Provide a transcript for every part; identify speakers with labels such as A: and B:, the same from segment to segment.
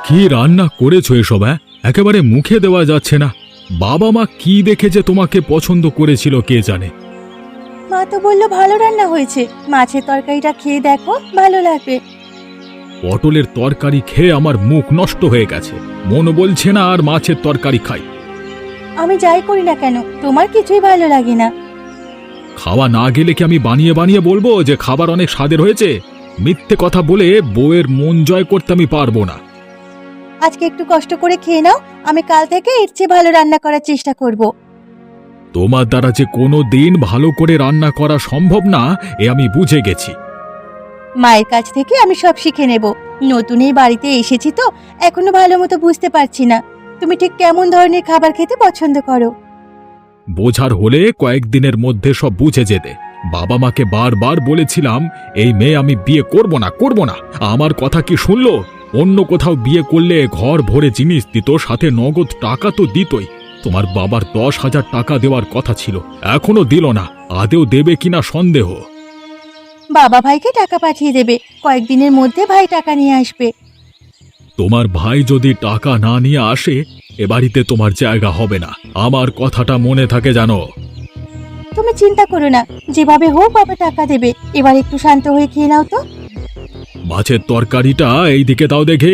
A: কি রান্না করেছো এসব? একেবারে মুখে দেওয়া যাচ্ছে না। বাবা মা কি দেখে যে তোমাকে পছন্দ করেছিল কে জানে।
B: মা তো বললো ভালো রান্না হয়েছে, মাছের তরকারিটা খেয়ে দেখো, ভালো লাগবে।
A: পটলের তরকারি খেয়ে আমার মুখ নষ্ট হয়ে গেছে, মন বলছে না আর মাছের তরকারি খাই।
B: আমি যাই করি না কেন তোমার কিছুই ভালো লাগে না।
A: খাওয়া না গেলে কি আমি বানিয়ে বানিয়ে বলবো যে খাবার অনেক স্বাদের হয়েছে? মিথ্যে কথা বলে বউয়ের মন জয় করতে আমি পারবো না।
B: আজকে একটু কষ্ট করে খেয়ে নাও, আমি কাল থেকে এর চেয়ে ভালো রান্না করার চেষ্টা করব।
A: তোমার দ্বারা যে কোনো দিন ভালো করে রান্না করা সম্ভব না এ আমি বুঝে গেছি।
B: মায়ের কাছ থেকে আমি সব শিখে নেব। নতুন এই বাড়িতে এসেছি তো এখনো ভালো মতো বুঝতে পারছি না তুমি ঠিক কেমন ধরনের খাবার খেতে পছন্দ করো।
A: বোঝার হলে কয়েকদিনের মধ্যে সব বুঝে যেতে। বাবা মাকে বারবার বলেছিলাম এই মেয়ে আমি বিয়ে করব না। আমার কথা কি শুনলো? অন্য কোথাও বিয়ে করলে ঘর ভরে জিনিস দিত, সাথে নগদ টাকা তো দিতই। তোমার বাবার 10,000 টাকা দেওয়ার কথা ছিল, এখনো দিল না। আদেও দেবে কিনা সন্দেহ।
B: বাবা ভাইকে টাকা পাঠিয়ে দেবে, কয়েকদিনের মধ্যে ভাই টাকা নিয়ে আসবে।
A: তোমার ভাই যদি টাকা না নিয়ে আসে এ বাড়িতে তোমার জায়গা হবে না, আমার কথাটা মনে থাকে জানো।
B: তুমি চিন্তা করো না, যেভাবে হোক বাবা টাকা দেবে। এবার একটু শান্ত হয়ে খেয়ে নাও তো।
A: মাছের তরকারিটা এইদিকে দাও দেখে।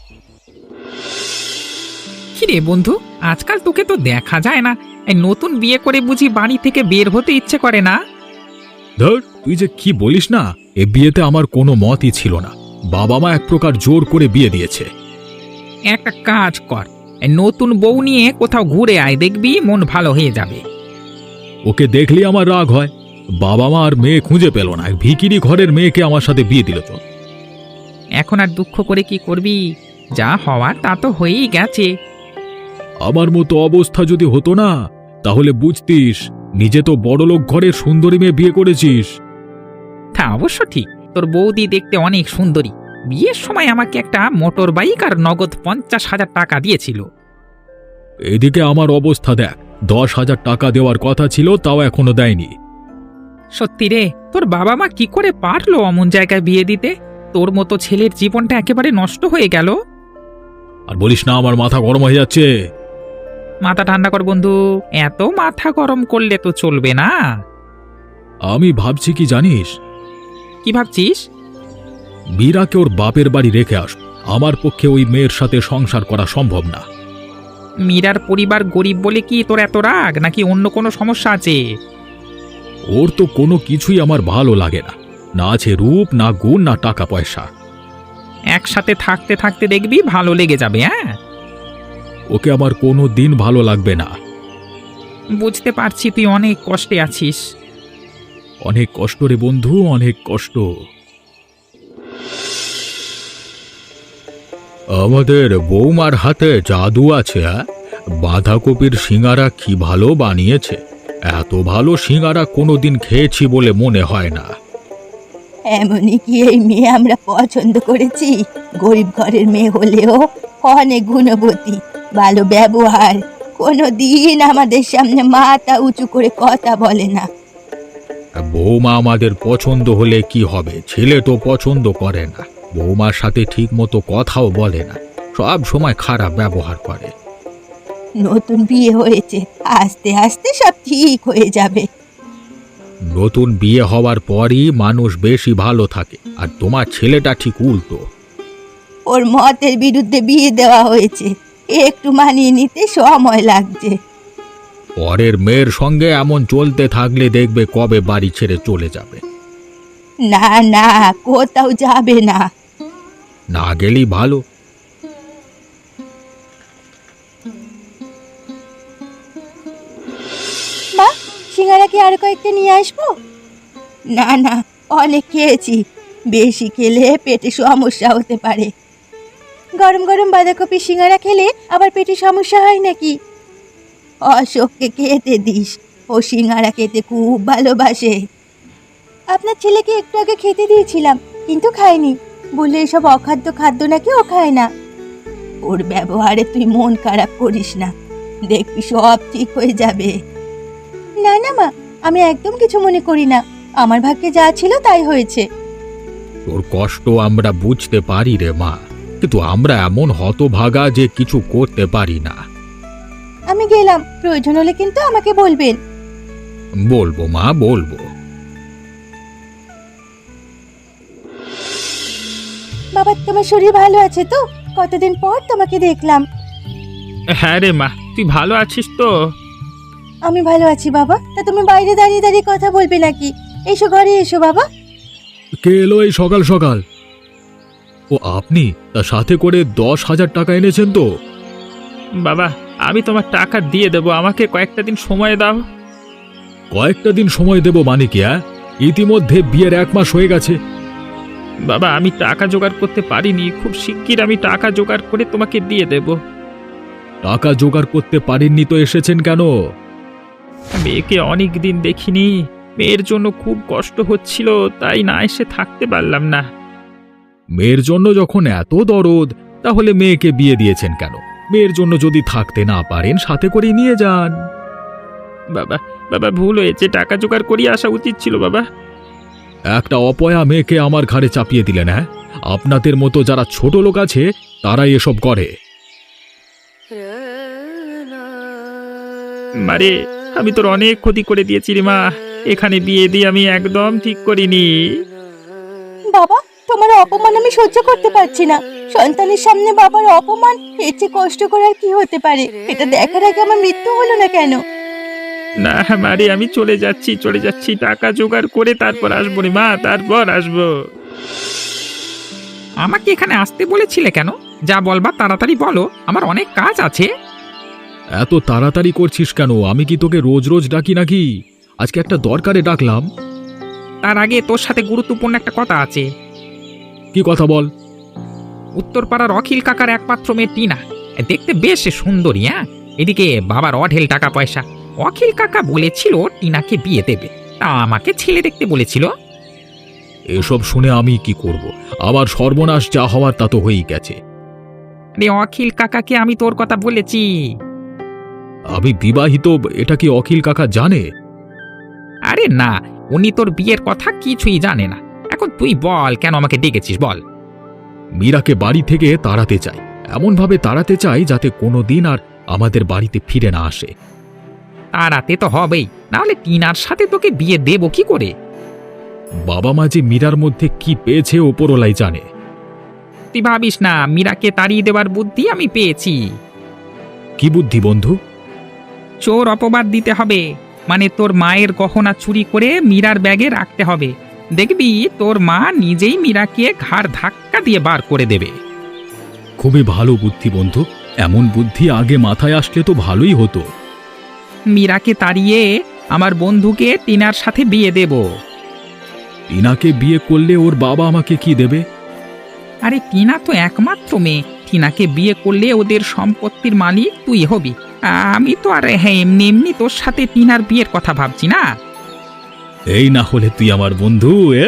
C: কিরে বন্ধু, আজকাল তোকে তো দেখা যায় না। এই নতুন বিয়ে করে বুঝি বাড়ি থেকে বের হতে ইচ্ছে করে না?
A: ধর, তুই যে কি বলিস না, এ বিয়েতে আমার কোনো মতই ছিল না। বাবা মা এক প্রকার জোর করে বিয়ে দিয়েছে।
C: একটা কাজ কর, এই নতুন বউ নিয়ে কোথাও ঘুরে আয়, দেখবি মন ভালো হয়ে যাবে।
A: ওকে দেখলে আমার রাগ হয়। বাবা মা আর মেয়ে খুঁজে পেল না, এক ভিখিরি ঘরের মেয়েকে আমার সাথে বিয়ে দিল। তো
C: এখন আর দুঃখ করে কি করবি? যা হওয়ার তা তো হয়েই গেছে।
A: আমার মতো অবস্থা যদি হতো না তাহলে বুঝতিস, নিজে তো বড়লোক ঘরের সুন্দরী মেয়ে বিয়ে করেছিস।
C: তা অবশ্য ঠিক, তোর বৌদি দেখতে অনেক সুন্দরী। বিয়ের সময় আমাকে একটা মোটর বাইক আর নগদ 50,000 টাকা দিয়েছিল।
A: এদিকে আমার অবস্থা দেখ, 10,000 টাকা দেওয়ার কথা ছিল, তাও এখনো দেয়নি।
C: সত্যি রে, তোর বাবা মা কি করে পারলো অমন জায়গায় বিয়ে দিতে? তোর মতো ছেলের জীবনটা একেবারে নষ্ট হয়ে গেল।
A: আর বলিস না, আমার মাথা গরম হয়ে যাচ্ছে।
C: মাথা ঠান্ডা কর বন্ধু, এত মাথা গরম করলে তো চলবে না।
A: আমি ভাবছি কি জানিস,
C: কি ভাবছিস?
A: মীরাকে ওর বাপের বাড়ি রেখে আস। আমার পক্ষে ওই মেয়ের সাথে সংসার করা সম্ভব না।
C: মীরার পরিবার গরিব বলে কি তোর এত রাগ, নাকি অন্য কোনো সমস্যা আছে?
A: ওর তো কোনো কিছুই আমার ভালো লাগে না, না আছে রূপ, না গুণ, না টাকা পয়সা।
C: একসাথে থাকতে থাকতে দেখবি ভালো লেগে যাবে। হ্যাঁ,
A: ওকে আমার কোনো দিন ভালো লাগবে না।
C: বুঝতে পারছি তুই অনেক কষ্টে আছিস।
A: অনেক কষ্ট রে বন্ধু, অনেক কষ্ট। আমাদের বৌমার হাতে জাদু আছে। বাঁধাকপির সিঙ্গারা কি ভালো বানিয়েছে! এত ভালো সিঙ্গারা কোনোদিন খেয়েছি বলে মনে হয় না।
B: এমনই কি এই মেয়ে আমরা পছন্দ করেছি? গরিব ঘরের মেয়ে হলেও অনেক গুণবতী, ভালো ব্যবহার, কোনো দিন আমাদের সামনে মাথা উঁচু করে কথা বলে না।
A: বৌমা আমাদের পছন্দ হলে কি হবে, ছেলে তো পছন্দ করে না। বৌমার সাথে ঠিক মতো কথাও বলে না, সব সময় খারাপ ব্যবহার করে।
B: নতুন বিয়ে হয়েছে, আস্তে আস্তে সব ঠিক হয়ে যাবে।
A: নতুন বিয়ে হওয়ার পরই মানুষ বেশি ভালো থাকে, আর তোমার ছেলেটা ঠিক উল্টো।
B: ওর মতের বিরুদ্ধে বিয়ে দেওয়া হয়েছে, একটু মানিয়ে নিতে সময় লাগছে।
A: পরের মেয়ের সঙ্গে এমন চলতে থাকলে দেখবে কবে বাড়ি ছেড়ে চলে যাবে।
B: না না, কোথাও যাবে না।
A: না গেলেই ভালো।
B: মা, সিঙ্গারা কি আর কয়েকটা নিয়ে আসবো? না না, অনেক খেয়েছি, বেশি খেলে পেটে সমস্যা হতে পারে। গরম গরম বাঁধাকপি সিঙ্গারা খেলে আবার পেটে সমস্যা হয় নাকি? অশোককে খেতে দিস, ও সিঙ্গারা খেতে খুব ভালোবাসে। আপনার ছেলেকে একটু আগে খেতে দিয়েছিলাম, কিন্তু খায়নি, বললে এসব অখাদ্য খাদ্য নাকি ও খায় না। ওর ব্যবহারে তুই মন খারাপ করিস না, দেখবি সব ঠিক হয়ে যাবে। না না মা, আমি একদম কিছু মনে করি না, আমার ভাগ্যে যা ছিল তাই হয়েছে।
A: তোর কষ্ট আমরা বুঝতে পারি রে মা, কিন্তু আমরা এমন হতভাগা যে কিছু করতে পারি না।
B: আমি গেলাম, প্রয়োজন হলে কিন্তু আমাকে বলবেন।
A: বলবো মা, বলবো।
B: বাবা, তোমার শরীর ভালো আছে তো? কতদিন পর তোমাকে দেখলাম।
C: হ্যাঁ রে মা, তুই ভালো আছিস তো?
B: আমি ভালো আছি বাবা। তা তুমি বাইরে দাঁড়িয়ে দাঁড়িয়ে কথা বলবে নাকি? এসো, ঘরে এসো বাবা।
A: কে এলো এই সকাল সকাল? ও আপনি? তার সাথে করে 10,000 টাকা এনেছেন তো?
C: বাবা, আমি তোমার টাকা দিয়ে দেবো, আমাকে কয়েকটা দিন সময় দাও।
A: কয়েকটা দিন সময় দেব মানে কি? ইতিমধ্যে বিয়ের 1 মাস হয়ে গেছে।
C: বাবা, আমি টাকা জোগাড় করতে পারিনি, খুব শিগগির আমি টাকা জোগাড় করে তোমাকে দিয়ে দেব।
A: টাকা জোগাড় করতে পারেননি তো এসেছেন কেন?
C: মেয়েকে অনেক দিন দেখিনি, মেয়ের জন্য খুব কষ্ট হচ্ছিল, তাই না এসে থাকতে পারলাম না।
A: মেয়ের জন্য যখন এত দরদ, তাহলে মেয়েকে বিয়ে দিয়েছেন কেন? মেয়ের জন্য যদি থাকতে না পারেন, সাথে করে নিয়ে যান।
C: বাবা, বাবা ভুল হয়েছে, টাকা জোগাড় করিয়ে আসা উচিত ছিল বাবা।
A: একটা অপয়া মেয়েকে আমার ঘাড়ে চাপিয়ে দিলেন। হ্যাঁ, আপনাদের মতো যারা ছোট লোক আছে তারাই এসব করে।
C: মারে, আমি তোর অনেক ক্ষতি করে দিয়েছি রে মা, এখানে বিয়ে দিয়ে আমি একদম ঠিক করিনি।
B: বাবা, তোমার অপমান আমি সহ্য করতে পারছি না। সন্তানের সামনে বাবার অপমান, এর চেয়ে কষ্ট করার কি হতে পারে? এটা দেখার আগে আমার মৃত্যু হলো না কেন?
C: না মারে, আমি চলে যাচ্ছি, টাকা জোগাড় করে তারপর আসবো রে মা, তারপর আসবো। আমাকে এখানে আসতে বলেছিলে কেন? যা বলবা তাড়াতাড়ি বলো, আমার অনেক কাজ আছে।
A: এত তাড়াতাড়ি করছিস কেন? আমি কি তোকে রোজ রোজ ডাকি নাকি? আজকে একটা দরকারে ডাকলাম।
C: তার আগে তোর সাথে গুরুত্বপূর্ণ একটা কথা আছে।
A: কি কথা বল?
C: উত্তরপাড়ার অখিল কাকার একমাত্র মেয়ে টিনা, দেখতে বেশ সুন্দরী। হ্যাঁ, এদিকে বাবার অঢেল টাকা পয়সা। অখিল কাকা বলেছিল টিনাকে বিয়ে দেবে, তা আমাকে ছেলে দেখতে বলেছিল।
A: এসব শুনে আমি কি করব? আমার সর্বনাশ যা হওয়ার তা তো হয়েই গেছে।
C: আরে অখিল কাকাকে আমি তোর কথা বলেছি।
A: আমি বিবাহিত, এটা কি অখিল কাকা জানে?
C: আরে না, উনি তোর বিয়ের কথা কিছুই জানে না। এখন তুই বল, কেন আমাকে ডেকেছিস বল।
A: মীরাকে বাড়ি থেকে তাড়াতে চাই, এমনভাবে তাড়াতে চাই যাতে কোনোদিন আর আমাদের বাড়িতে ফিরে না আসে।
C: তাড়াতে তো হবেই, নাহলে টিনার সাথে তোকে বিয়ে দেব কি করে?
A: বাবা মা যে মীরার মধ্যে কি পেয়েছে ওপরওয়ালাই জানে।
C: তুই ভাবিস না, মীরাকে তাড়িয়ে দেওয়ার বুদ্ধি আমি পেয়েছি।
A: কি বুদ্ধি বন্ধু?
C: চোর অপবাদ দিতে হবে, মানে তোর মায়ের গহনা চুরি করে মীরার ব্যাগে রাখতে হবে। দেখবি তোর মা নিজেই মীরাকে ঘাড় ধাক্কা দিয়ে বার করে দেবে।
A: খুবই ভালো বুদ্ধি বন্ধু, এমন বুদ্ধি আগে মাথায় আসলে তো ভালোই হতো।
C: মীরাকে তাড়িয়ে আমার বন্ধুকে টিনার সাথে বিয়ে দেব।
A: টিনাকে বিয়ে করলে ওর বাবা আমাকে কি দেবে?
C: আরে টিনা তো একমাত্র মেয়ে, টিনাকে বিয়ে করলে ওদের সম্পত্তির মালিক তুই হবি। আমি তো আর হ্যাঁ এমনি এমনি তোর সাথে টিনার বিয়ের কথা ভাবছি না।
A: এই না হলে তুই আমার বন্ধু।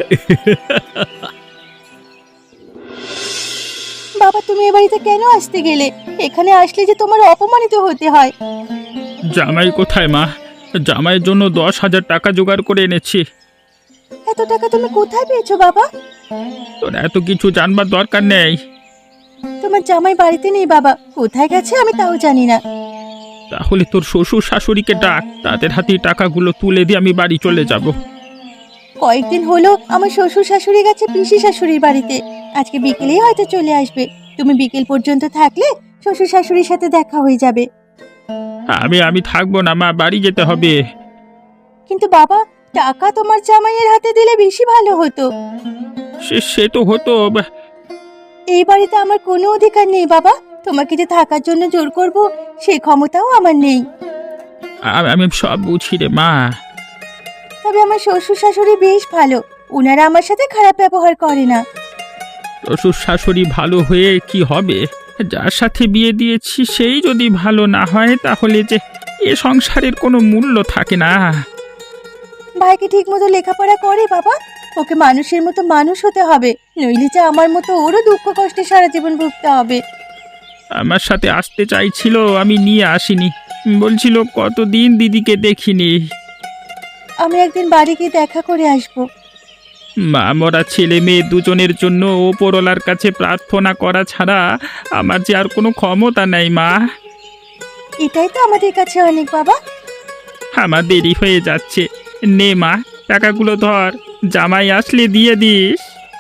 B: বাবা, তুমি এ বাড়িতে কেন আসতে গেলে? এখানে আসলে যে তোমার অপমানিত হতে হয়।
C: জামাই কোথায় মা? জামাইয়ের জন্য 10,000 টাকা জোগাড় করে এনেছি।
B: এত টাকা তুমি কোথায় পেয়েছো বাবা?
C: তোর এত কিছু জানবার দরকার নেই।
B: তোমার জামাই বাড়িতে নেই বাবা, কোথায় গেছে আমি তাও জানি না।
C: তাহলে তোর শ্বশুর শাশুড়িকে ডাক, তাদের হাতে টাকাগুলো তুলে দিয়ে আমি বাড়ি চলে যাব।
B: কয়েকদিন হলো আমার শ্বশুর শাশুড়ি গেছে পিসি শাশুড়ির বাড়িতে, আজকে বিকেলেই হয়তো চলে আসবে। তুমি বিকেল পর্যন্ত থাকলে শ্বশুর শাশুড়ির সাথে দেখা হয়ে যাবে।
C: আমি থাকবো না মা, বাড়ি যেতে হবে।
B: কিন্তু বাবা, টাকা তোমার জামাইয়ের হাতে দিলে বেশি ভালো হতো।
C: সে তো হতো।
B: এই বাড়িতে আমার কোনো অধিকার নেই বাবা, তোমাকে যে থাকার জন্য জোর করব সেই ক্ষমতাও আমার নেই।
C: আমি সব বুঝি রে মা।
B: তবে আমার শ্বশুর শাশুড়ি বেশ ভালো, ওনারা আমার সাথে খারাপ ব্যবহার করে না।
C: শ্বশুর শাশুড়ি ভালো হয়ে কি হবে? যার সাথে বিয়ে দিয়েছি সেই যদি ভালো না হয়, তাহলে যে এ সংসারের কোনো মূল্য থাকে না।
B: ভাইকে ঠিক মতো লেখাপড়া করে বাবা, ওকে মানুষের মতো মানুষ হতে হবে, নইলে যে আমার মতো ওরও দুঃখ কষ্টে সারা জীবন ভুগতে হবে।
C: আমার সাথে আসতে চাইছিল, আমি নিয়ে আসিনি। বলছিল কতদিন দিদিকে দেখিনি।
B: আমি একদিন বাড়ি গিয়ে দেখা করে আসবো।
D: মা মরা ছেলে মেয়ে দুজনের জন্য ওপরওয়ালার কাছে প্রার্থনা করা ছাড়া আমার যে আর কোনো ক্ষমতা নেই মা।
B: এটাই তো আমাদের কাছে অনেক বাবা।
D: আমার দেরি হয়ে যাচ্ছে, নে মা টাকাগুলো ধর, জামাই আসলে দিয়ে দিস।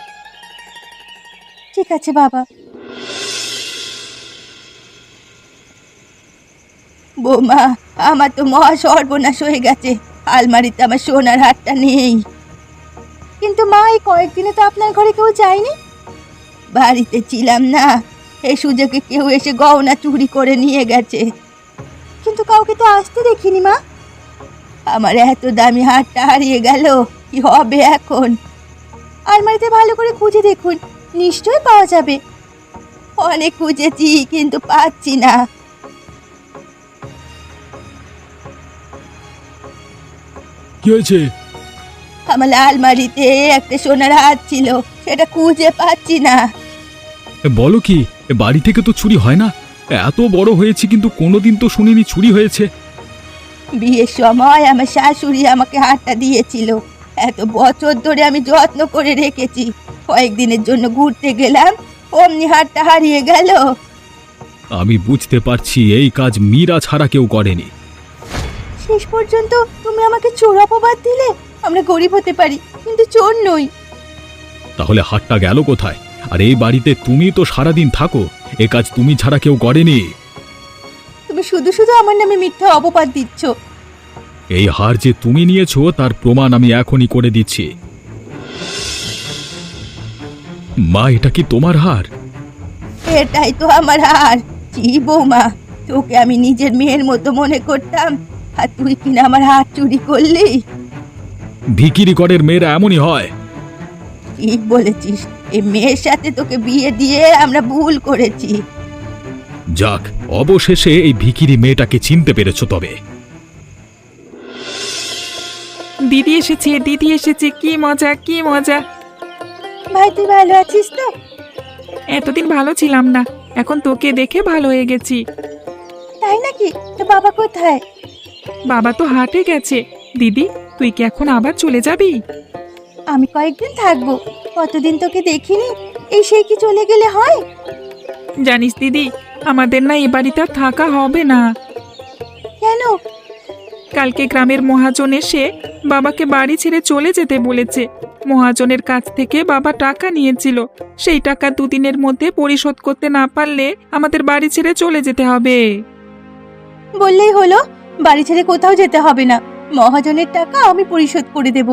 B: ঠিক আছে বাবা। বৌমা, আমার তো মহা সর্বনাশ হয়ে গেছে। আলমারিতে আমার সোনার হারটা নেই। কিন্তু মা, এই কয়েকদিনে তো আপনার ঘরে কেউ যায়নি। বাড়িতে ছিলাম না, এই সুযোগে কেউ এসে গহনা চুরি করে নিয়ে গেছে। কিন্তু কাউকে তো আসতে দেখিনি মা। আমার এত দামি হারটা হারিয়ে গেল, কি হবে এখন? আলমারিতে ভালো করে খুঁজে দেখুন, নিশ্চয়ই পাওয়া যাবে। অনেক খুঁজেছি কিন্তু পাচ্ছি না।
A: কি হয়েছে?
B: আমার আলমারিতে একটা সোনার হার ছিল, সেটা খুঁজে পাচ্ছি না।
A: বলো কি, বাড়ি থেকে তো চুরি হয় না। এত বড় হয়েছে কিন্তু কোনোদিন তো শুনিনি চুরি হয়েছে।
B: বিয়ের সময় আমার শাশুড়ি আমাকে হারটা দিয়েছিল। এত বছর ধরে আমি যত্ন করে রেখেছি। কয়েকদিনের জন্য ঘুরতে গেলাম, অমনি হারটা হারিয়ে গেল।
A: আমি বুঝতে পারছি এই কাজ মীরা ছাড়া কেউ করেনি।
B: শেষ পর্যন্ত তুমি আমাকে চোর অপবাদ দিলে। আমরা গরিব হতে পারি কিন্তু চোর নই।
A: তাহলে হাটটা গেল কোথায়? আর এই বাড়িতে তুমি তো সারাদিন থাকো, এ কাজ তুমি ছাড়া কেউ করেনি।
B: তুমি শুধু শুধু আমার নামে মিথ্যা অপবাদ দিচ্ছ।
A: এই হার যে তুমি নিয়েছো তার প্রমাণ আমি এখনই করে দিচ্ছি। মা, এটা কি তোমার হার?
B: এটাই তো আমার হার। জি বৌমা, তোকে আমি নিজের মেয়ের মতো মনে করতাম, আর তুই কিনা আমার হার চুরি করলি।
A: ভিখিরি ঘরের মেয়েরা এমনই হয়।
B: ঠিক বলেছিস, এই মেয়ের সাথে তোকে বিয়ে দিয়ে আমরা ভুল করেছি।
A: যাক, অবশেষে এই ভিখিরি মেয়েটাকে চিনতে পেরেছো। তবে
C: দিদি এসেছে, দিদি এসেছে, কি মজা কি মজা।
B: ভাই, তুই ভালো আছিস তো?
C: এতদিন ভালো ছিলাম না, এখন তোকে দেখে ভালো হয়ে গেছি।
B: তাই নাকি? তো বাবা কোথায়?
C: বাবা তো হাটে গেছে। দিদি, তুই কি এখন আবার চলে যাবি?
B: আমি কয়েকদিন থাকবো। কতদিন তোকে দেখিনি, এই সেই কি চলে গেলে হয়?
C: জানিস দিদি, আমাদের না এ বাড়িতে আর থাকা হবে না।
B: কেন?
C: কালকে গ্রামের মহাজন এসে বাবাকে বাড়ি ছেড়ে চলে যেতে বলেছে। মহাজনের কাছ থেকে বাবা টাকা নিয়েছিল, সেই টাকা দুদিনের মধ্যে পরিশোধ করতে না পারলে আমাদের বাড়ি ছেড়ে চলে যেতে হবে।
B: বললেই হলো, বাড়ি ছেড়ে কোথাও যেতে হবে না। মহাজনের টাকা আমি পরিশোধ করে দেব।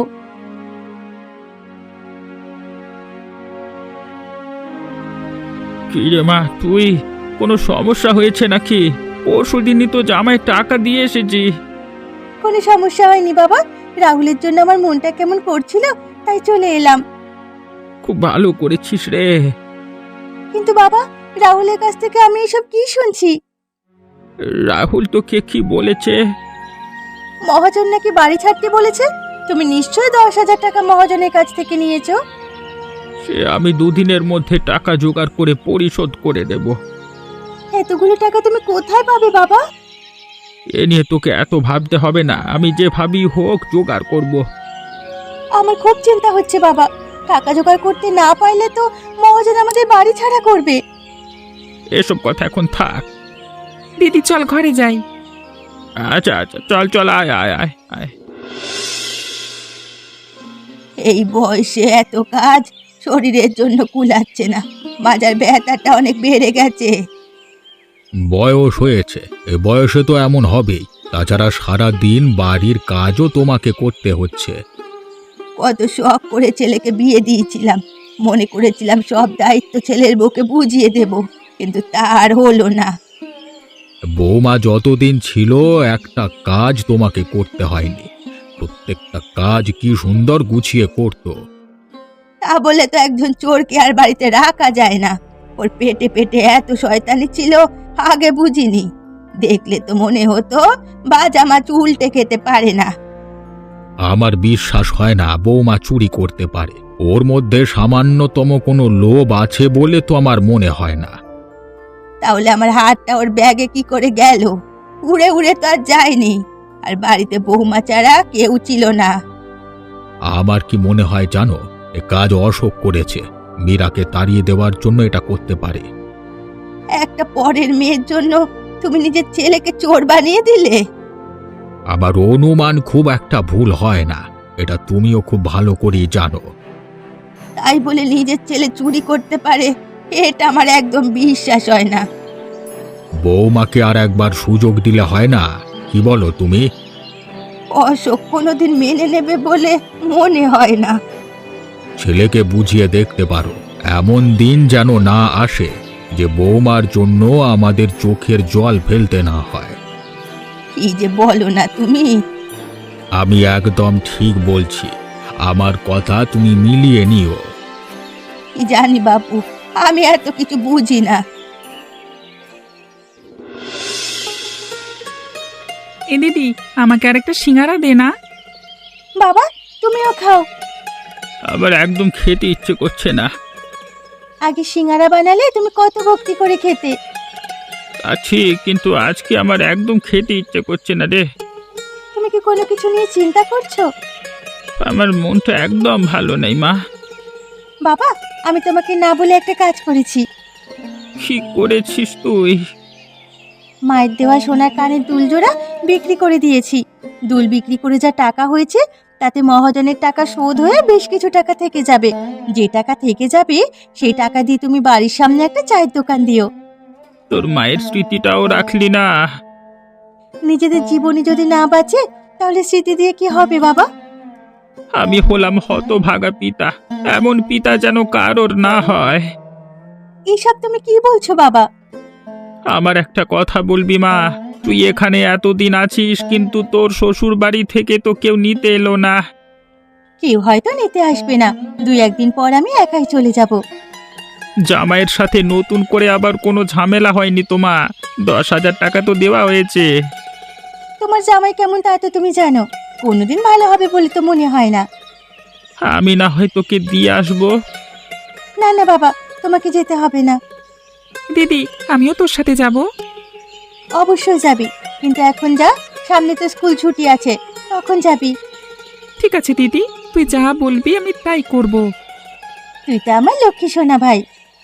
D: কি রে মা, তুই কোনো সমস্যা হয়েছে নাকি? পরশুদিনই তো জামাই টাকা দিয়ে এসেছি।
B: কোনো সমস্যা হয়নি বাবা। রাহুলের জন্য আমার মনটা কেমন করছিল, তাই চলে এলাম।
D: খুব ভালো করেছিস রে।
B: কিন্তু বাবা, রাহুলের কাছ থেকে আমি এসব কি শুনছি?
D: রাহুল তোকে কি বলেছে?
B: মহাজন নাকি বাড়ি ছাড়তে বলেছে। তুমি নিশ্চয়ই 10,000 টাকা মহাজনের কাছ থেকে নিয়েছো।
D: সে আমি দুদিনের মধ্যে টাকা জোগাড় করে পরিশোধ করে দেব।
B: এতগুলো টাকা তুমি কোথায় পাবে বাবা?
D: এ নিয়ে তোকে এত ভাবতে হবে না, আমি যে ভাবি হোক জোগাড় করব।
B: আমার খুব চিন্তা হচ্ছে বাবা। টাকা জোগাড় করতে না পারলে তো মহাজন আমাদের বাড়ি ছাড়া করবে।
D: এসব কথা এখন থাক।
C: দিদি চল ঘরে যাই।
D: আচ্ছা আচ্ছা, চল চল, আয় আয় আয় আয়।
B: এই বয়সে এত কাজ শরীরের জন্য কুলাচ্ছে না। মাজার ব্যথাটা অনেক বেড়ে গেছে।
A: বয়স হয়েছে, এ বয়সে তো এমন হবেই। তাছাড়া সারা দিন বাড়ির কাজও তোমাকে করতে হচ্ছে।
B: কত শখ করে ছেলেকে বিয়ে দিয়েছিলাম, মনে করেছিলাম সব দায়িত্ব ছেলের বউকে বুঝিয়ে দেব, কিন্তু তার হলো না।
A: বৌমা যতদিন ছিল একটা কাজ তোমাকে করতে হয়নি। প্রত্যেকটা কাজ কি সুন্দর গুছিয়ে করত।
B: তা বলে তো একজন চোরকে আর বাড়িতে রাখা যায় না। ওর পেটে পেটে এত শয়তানি ছিল, আগে বুঝিনি। দেখলে তো মনে হতো বাজা মাছ উল্টে খেতে পারে না।
A: আমার বিশ্বাস হয় না বৌমা চুরি করতে পারে। ওর মধ্যে সামান্যতম কোনো লোভ আছে বলে তো আমার মনে হয় না।
B: তাহলে আমার হাতটা ওর ব্যাগে কি করে গেল? উড়ে উড়ে তো আর যায়নি। আর বাড়িতে বৌমা ছাড়া কেউ ছিল না।
A: আমার কি মনে হয় জানো, এ কাজ অশোক করেছে। মীরাকে তাড়িয়ে দেওয়ার জন্য এটা করতে পারে।
B: একটা পরের মেয়ের জন্য তুমি নিজের ছেলেকে চোর বানিয়ে দিলে।
A: আমার অনুমান খুব একটা ভুল হয় না, এটা তুমিও খুব ভালো করেই জানো।
B: তাই বলে নিজের ছেলে চুরি করতে পারে, এটা আমার একদম বিশ্বাস হয় না।
A: বৌমাকে আর একবার সুযোগ দিলে হয় না? কি বলো তুমি?
B: অশোক কোনোদিন মেনে নেবে বলে মনে হয় না।
A: ছেলেকে বুঝিয়ে দেখতে পারো, এমন দিন যেন না আসে যে বৌমার জন্য আমাদের চোখের জল ফেলতে না হয়।
B: কি যে বলো না তুমি।
A: আমি একদম ঠিক বলছি, আমার কথা তুমি মিলিয়ে নিও।
B: কি জানি বাপু, আমি এত কিছু বুঝি না।
C: এ দিদি, আমাকে আর একটা সিঙ্গারা দে না।
B: বাবা তুমিও খাও।
D: আবার একদম খেতে ইচ্ছে করছে না।
B: আগে সিঙ্গারা বানালে তুমি কত ভক্তি করে খেতে।
D: আছি, কিন্তু আজকে আমার একদম খেতে ইচ্ছে করছে না রে।
B: তুমি কি কোনো কিছু নিয়ে চিন্তা করছো?
D: আমার মনটা একদম ভালো নেই মা।
B: বাবা আমি তোমাকে না বলে একটা কাজ করেছি।
D: কি করেছিস তুই?
B: মায়ের দেওয়া সোনার কানের দুল জোড়া বিক্রি করে দিয়েছি। দুল বিক্রি করে যা টাকা হয়েছে তাতে মহাজনের টাকা শোধ হয়ে বেশ কিছু টাকা থেকে যাবে। যে টাকা থেকে যাবে সেই টাকা দিয়ে তুমি বাড়ির সামনে একটা চায়ের দোকান দিও।
D: তোর মায়ের স্মৃতিটাও রাখলি না।
B: নিজেদের জীবনে যদি না বাঁচে তাহলে স্মৃতি দিয়ে কি হবে বাবা?
D: আমি হলাম হতভাগা পিতা, এমন পিতা যেন কারোর না হয়।
B: এইসব তুমি কি বলছো বাবা?
D: আমার একটা কথা বলবি মা, তুই এখানে এতদিন আছিস কিন্তু তোর শ্বশুর বাড়ি থেকে তো কেউ নিতে এলো না।
B: কেউ হয়তো নিতে আসবে না, 2-1 দিন পর আমি একাই চলে যাব।
D: জামাইয়ের সাথে নতুন করে আবার কোনো ঝামেলা হয়নি তো মা? 10,000 টাকা তো দেওয়া হয়েছে।
B: তোমার জামাই কেমন তা তো তুমি জানো, কোনোদিন ভালো হবে বলে তো মনে হয় না।
D: আমি না হয় তোকে দিয়ে আসবো।
B: না না বাবা, তোমাকে যেতে হবে না।
C: দিদি, আমিও তোর সাথে যাব।
B: অবশ্যই যাবি, কিন্তু এখন যা, সামনে তো স্কুল ছুটি আছে, তখন যাবি।
C: ঠিক আছে দিদি, তুই যা বলবি আমি তাই করব।
B: তুই তো আমার লক্ষ্মী সোনা ভাই।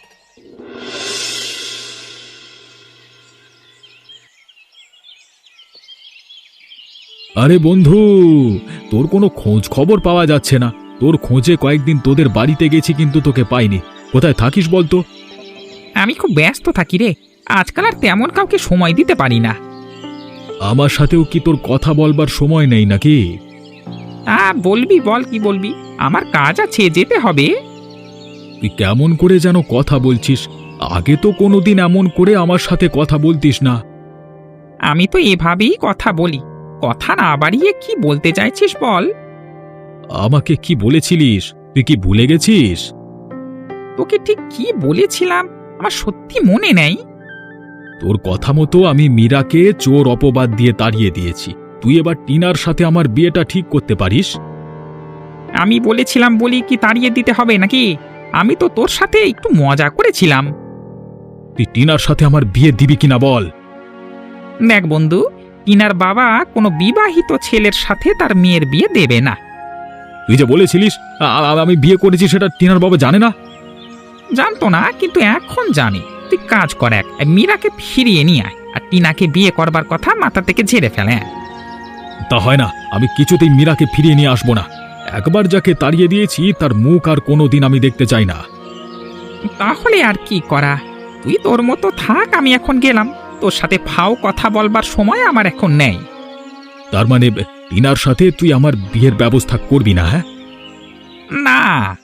A: আরে বন্ধু, তোর কোনো খোঁজ খবর পাওয়া যাচ্ছে না। তোর খোঁজে কয়েকদিন তোদের বাড়িতে গেছি কিন্তু তোকে পাইনি। কোথায় থাকিস বলতো?
C: আমি খুব ব্যস্ত থাকি রে, আজকাল আর তেমন কাউকে সময় দিতে পারি না।
A: আমার সাথেও কি তোর কথা বলবার সময় নেই নাকি?
C: বলবি বল, কি বলবি? আমার কাজ আছে, যেতে হবে।
A: তুই কেমন করে যেন কথা বলছিস, আগে তো কোনোদিন এমন করে আমার সাথে কথা বলতিস না।
C: আমি তো এভাবেই কথা বলি, কথা না বাড়িয়ে কি বলতে চাইছিস বল।
A: আমাকে কি বলেছিলিস, তুই কি ভুলে গেছিস?
C: তোকে ঠিক কি বলেছিলাম আমার সত্যি মনে নেই।
A: তোর কথা মতো আমি মীরাকে চোর অপবাদ দিয়ে তাড়িয়ে দিয়েছি। তুই এবার টিনার সাথে আমার বিয়েটা ঠিক করতে পারিস।
C: আমি বলেছিলাম বলি কি তাড়িয়ে দিতে হবে নাকি? আমি তো তোর সাথে একটু মজা করেছিলাম।
A: তুই টিনার সাথে আমার বিয়ে দিবি কিনা বল।
C: দেখ বন্ধু, টিনার বাবা কোনো বিবাহিত ছেলের সাথে তার মেয়ের বিয়ে দেবে না।
A: তুই যে বলেছিলিস আমি বিয়ে করেছি, সেটা টিনার বাবা জানে না?
C: জানতো না, কিন্তু এখন জানি। তুই কাজ কর, এক মীরাকে ফিরিয়ে নিয়ে আয় আর টিনাকে বিয়ে করবার কথা মাথা থেকে ঝেড়ে ফেলে।
A: তা হয় না, আমি কিছুতেই মীরাকে ফিরিয়ে নিয়ে আসবো না। একবার যাকে তাড়িয়ে দিয়েছি তার মুখ আর কোনোদিন আমি দেখতে চাই না।
C: তাহলে আর কি করা, তুই তোর মতো থাক, আমি এখন গেলাম। তোর সাথে ফাও কথা বলবার সময় আমার এখন নেই।
A: তার মানে টিনার সাথে তুই আমার বিয়ের ব্যবস্থা করবি না? হ্যাঁ
C: না।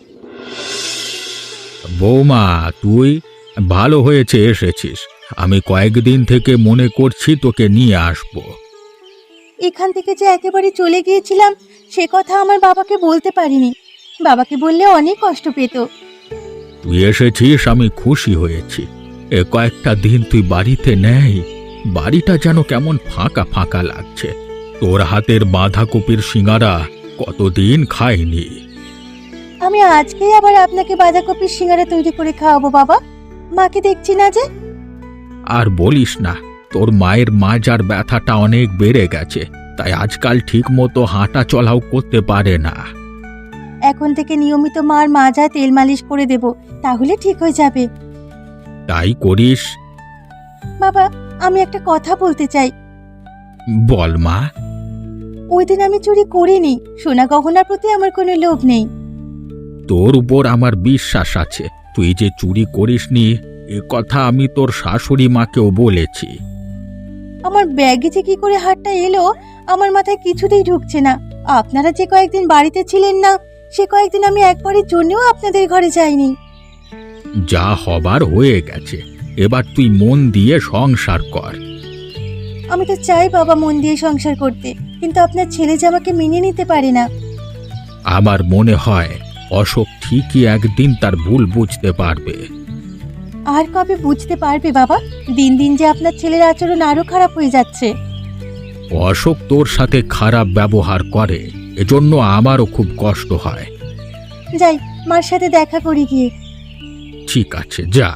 A: বৌমা, তুই ভালো হয়েছে এসেছিস। আমি কয়েকদিন থেকে মনে করছি তোকে নিয়ে আসবো।
B: এখান থেকে যে একেবারে চলে গিয়েছিলাম সে কথা আমার বাবাকে বলতে পারিনি। বাবাকে বললে অনেক কষ্ট পেত।
A: তুই এসেছিস, আমি খুশি হয়েছি। এ কয়েকটা দিন তুই বাড়িতে নেই, বাড়িটা যেন কেমন ফাঁকা ফাঁকা লাগছে। তোর হাতের বাঁধাকপির সিঙ্গারা কতদিন খাইনি।
B: আমি আজকেই আবার আপনাকে বাঁধাকপির সিঙ্গারা তৈরি করে খাওয়াবো বাবা। মাকে দেখছি না যে।
A: আর বলিস না, তোর মায়ের মাজার ব্যথাটা অনেক বেড়ে গেছে, তাই আজকাল ঠিক মতো হাঁটা চলাও করতে পারে না।
B: এখন থেকে নিয়মিত মার মাজা তেল মালিশ করে দেব, তাহলে ঠিক হয়ে যাবে।
A: তাই করিস।
B: বাবা, আমি একটা কথা বলতে চাই।
A: বল মা।
B: ওই দিন আমি চুরি করিনি, সোনা গহনার প্রতি আমার কোনো লোভ নেই।
A: তোর উপর আমার বিশ্বাস আছে, তুই যে চুরি করিসনি এ কথা আমি তোর শাশুড়ি মাকেও বলেছি।
B: আমার ব্যাগে যে কি করে হাতটা এলো আমার মাথায় কিছুতেই ঢুকছে না। আপনারা যে কয়েকদিন বাড়িতে ছিলেন না, সে কয়েকদিন আমি একবারের জন্যও আপনাদের ঘরে যাইনি।
A: যা হবার হয়ে গেছে, এবার তুই মন দিয়ে সংসার কর।
B: আমি তো চাই বাবা মন দিয়ে সংসার করতে, কিন্তু আপনার ছেলে যে আমাকে মেনে নিতে পারে না।
A: আমার মনে হয় অশোক ঠিকই একদিন তার ভুল বুঝতে পারবে।
B: আর কবে বুঝতে পারবে বাবা? দিন দিন যে আপনার ছেলের আচরণ আরো খারাপ হয়ে যাচ্ছে।
A: অশোক তোর সাথে খারাপ ব্যবহার করে, এজন্য আমারও খুব কষ্ট হয়।
B: যাই, মার সাথে দেখা করি গিয়ে।
A: ঠিক আছে, যা।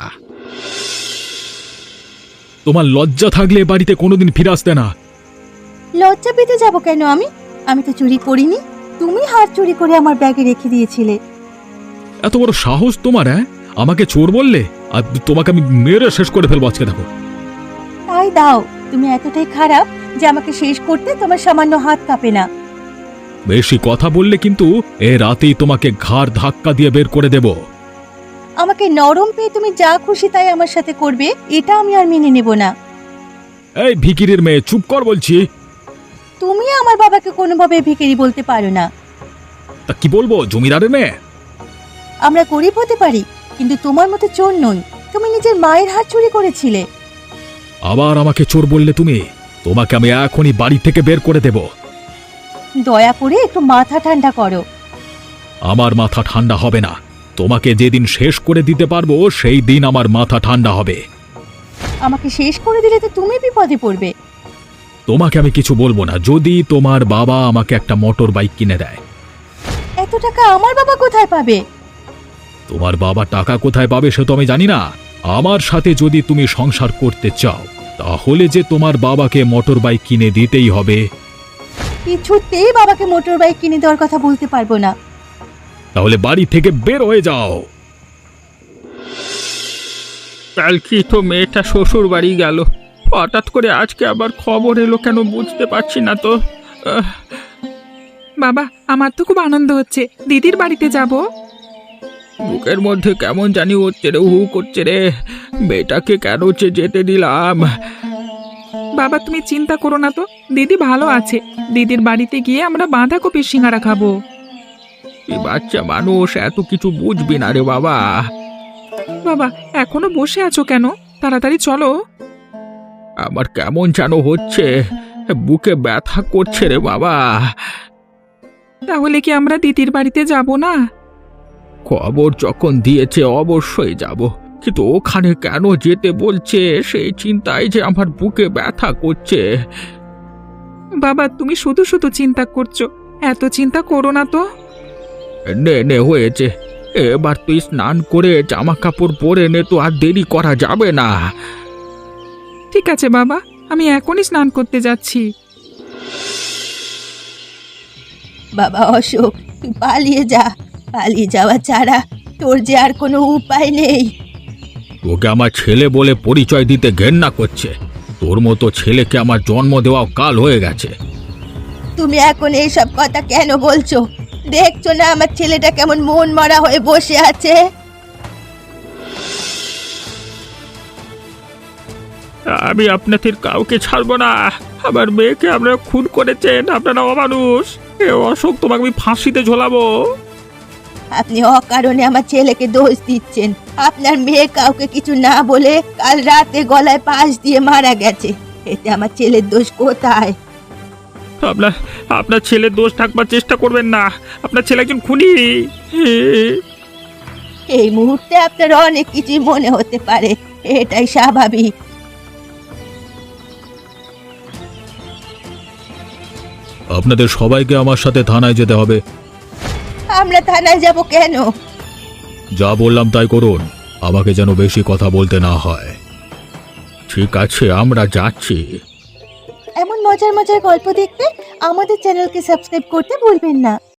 A: তোমার লজ্জা থাকলে এ বাড়িতে কোনোদিন ফিরে আসতে না।
B: লজ্জা পেতে যাব কেন? আমি তো চুরি করিনি। তুমি হার চুরি করে আমার ব্যাগে রেখে দিয়েছিলে।
A: এত বড় সাহস তোমার! হ্যাঁ, আমাকে চোর বললে? আর তোমাকে আমি মেরে শেষ করে ফেলবো আজকে, দেখো।
B: তাই দাও, তুমি এতটাই খারাপ যে আমাকে শেষ করতে তোমার সামান্য হাত কাঁপে না।
A: বেশি কথা বললে কিন্তু এ রাতেই তোমাকে ঘাড় ধাক্কা দিয়ে বের করে দেব।
B: আমাকে নরম পেয়ে তুমি যা খুশি তাই আমার সাথে করবে, এটা আমি আর মেনে নেব না।
A: এই ভিকিরির মেয়ে, চুপ কর বলছি।
B: তুমি আমার বাবাকে কোনোভাবে ভিখারি বলতে পারো না।
A: তা কি বলবো, জমিদারের মেয়ে?
B: আমরা গরিব হতে পারি, কিন্তু তোমার মতো চোর নই। তুমি নিজের মায়ের হাত চুরি করেছিলে।
A: আবার আমাকে চোর বললে তুমি? তোমাকে আমি এখনই বাড়ি থেকে বের করে দেব।
B: দয়া করে একটু মাথা ঠান্ডা করো।
A: আমার মাথা ঠান্ডা হবে না। তোমাকে যেদিন শেষ করে দিতে পারবো সেই দিন আমার মাথা ঠান্ডা হবে।
B: আমাকে শেষ করে দিলে তো তুমি বিপদে পড়বে।
A: তোমাকে আমি কিছু বলবো না, যদি তোমার বাবা আমাকে একটা মোটর বাইক কিনে দেয়।
B: এত টাকা আমার বাবা কোথায় পাবে?
A: তোমার বাবা টাকা কোথায় পাবে সে তো আমি জানি না। আমার সাথে যদি তুমি সংসার করতে চাও তাহলে যে তোমার বাবাকে মোটর বাইক কিনে দিতেই হবে।
B: কিছুতেই বাবাকে মোটর বাইক কিনে দেওয়ার কথা বলতে পারবো না।
A: তাহলে বাড়ি থেকে বের হয়ে যাও।
D: কালকে তো মেয়েটা শ্বশুর বাড়ি গেল, হঠাৎ করে আজকে আবার খবর এলো কেন বুঝতে পারছি না তো।
C: বাবা, আমার তো খুব আনন্দ হচ্ছে, দিদির বাড়িতে যাব।
D: বুকের মধ্যে কেমন জানি হচ্ছে রে, হু করছে রে। মেয়েটাকে কেন যেতে দিলাম?
C: বাবা, তুমি চিন্তা করো না তো, দিদি ভালো আছে। দিদির বাড়িতে গিয়ে আমরা বাঁধাকপির সিঙ্গারা খাবো।
D: তুই বাচ্চা মানুষ, এত কিছু বুঝবি না রে বাবা।
C: বাবা, এখনো বসে আছো কেন? তাড়াতাড়ি চলো।
D: আমার কেমন যেন হচ্ছে, বুকে ব্যথা করছে রে বাবা।
C: তাহলে কি আমরা দিদির বাড়িতে যাব না?
D: খবর যখন দিয়েছে অবশ্যই যাব, কিন্তু ওখানে কেন যেতে বলছে সেই চিন্তায় যে আমার বুকে ব্যথা করছে।
C: বাবা, তুমি শুধু শুধু চিন্তা করছো, এত চিন্তা করো না তো।
D: নে নে হয়েছে, এবার তুই স্নান করে জামা কাপড় পরে নে, তো আর দেরি করা যাবে না।
C: ঠিক আছে বাবা, আমি এখনই স্নান করতে যাচ্ছি।
B: বাবা অশোক, তুই পালিয়ে যা। পালিয়ে যাওয়া ছাড়া তোর যে আর কোনো উপায় নেই।
A: তোকে আমার ছেলে বলে পরিচয় দিতে ঘেন্না করছে। তোর মতো ছেলেকে আমার জন্ম দেওয়াও কাল হয়ে গেছে।
B: তুমি এখন এইসব কথা কেন বলছো? দেখছো না আমার ছেলেটা কেমন মন মরা হয়ে বসে আছে?
D: আমি আপনাদের কাউকে ছাড়বো না। আমার মেয়েকে আপনারা খুন করেছেন, আপনারা অমানুষ। এ অশোক, তোমাকে আমি ফাঁসিতে ঝোলাবো।
B: আপনি অকারণে আমার ছেলেকে দোষ দিচ্ছেন। আপনার মেয়ে কাউকে কিছু না বলে কাল রাতে গলায় পাশ দিয়ে মারা গেছে, এতে আমার ছেলের দোষ কোথায়?
D: আপনার ছেলের দোষ থাকবার চেষ্টা করবেন না। আপনার ছেলে একজন খুনি।
B: এই মুহূর্তে আপনার অনেক কিছু মনে হতে পারে, এটাই স্বাভাবিক।
A: আপনাদের সবাইকে আমার সাথে থানায় যেতে হবে।
B: আমরা থানায় যাব কেন?
A: যা বললাম তাই করুন, আমাকে যেন বেশি কথা বলতে না হয়।
D: ঠিক আছে, আমরা যাচ্ছি।
B: এমন মজার মজার গল্প দেখতে আমাদের চ্যানেলকে সাবস্ক্রাইব করতে ভুলবেন না।